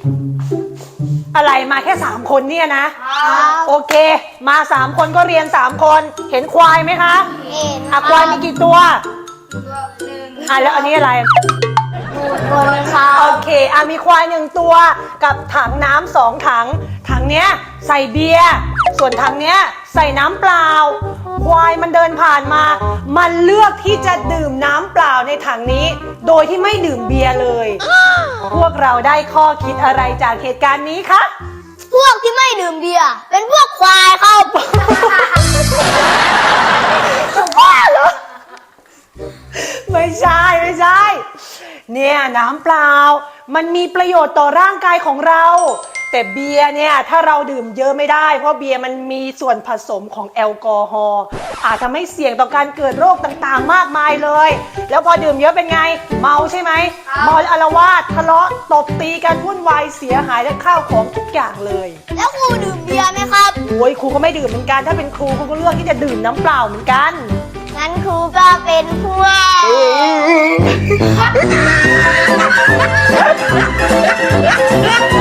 อะไรมาแค่3คนเนี่ยนะโอเคมา3คนก็เรียน3คนเห็นควายไหมคะเห็นควายมีกี่ตัวแล้วอันนี้อะไรคนค่ะโอเคมีควาย1ตัวกับถังน้ำ2ถังถังเนี้ยใส่เบียร์ส่วนถังเนี้ยใส่น้ำเปล่าควายมันเดินผ่านมามันเลือกที่จะดื่มน้ำเปล่าในถังนี้โดยที่ไม่ดื่มเบียร์เลยพวกเราได้ข้อคิดอะไรจากเหตุการณ์นี้คะพวกที่ไม่ดื่มเบียร์เป็นพวกควายครับบ้าเหรอไม่ใช่เนี่ยน้ำเปล่ามันมีประโยชน์ต่อร่างกายของเราแต่เบียร์เนี่ยถ้าเราดื่มเยอะไม่ได้เพราะเบียร์มันมีส่วนผสมของแอลกอฮอล์อาจทำให้เสี่ยงต่อการเกิดโรคต่างๆมากมายเลยแล้วพอดื่มเยอะเป็นไงเมาใช่ไหมเมาอาละวาดทะเลาะตบตีกันวุ่นวายเสียหายและข้าวของทุกอย่างเลยแล้วครูดื่มเบียร์ไหมครับโอ้ยครูก็ไม่ดื่มเหมือนกันถ้าเป็นครูก็เลือกที่จะดื่มน้ำเปล่าเหมือนกันงั้นครูก็เป็นพวก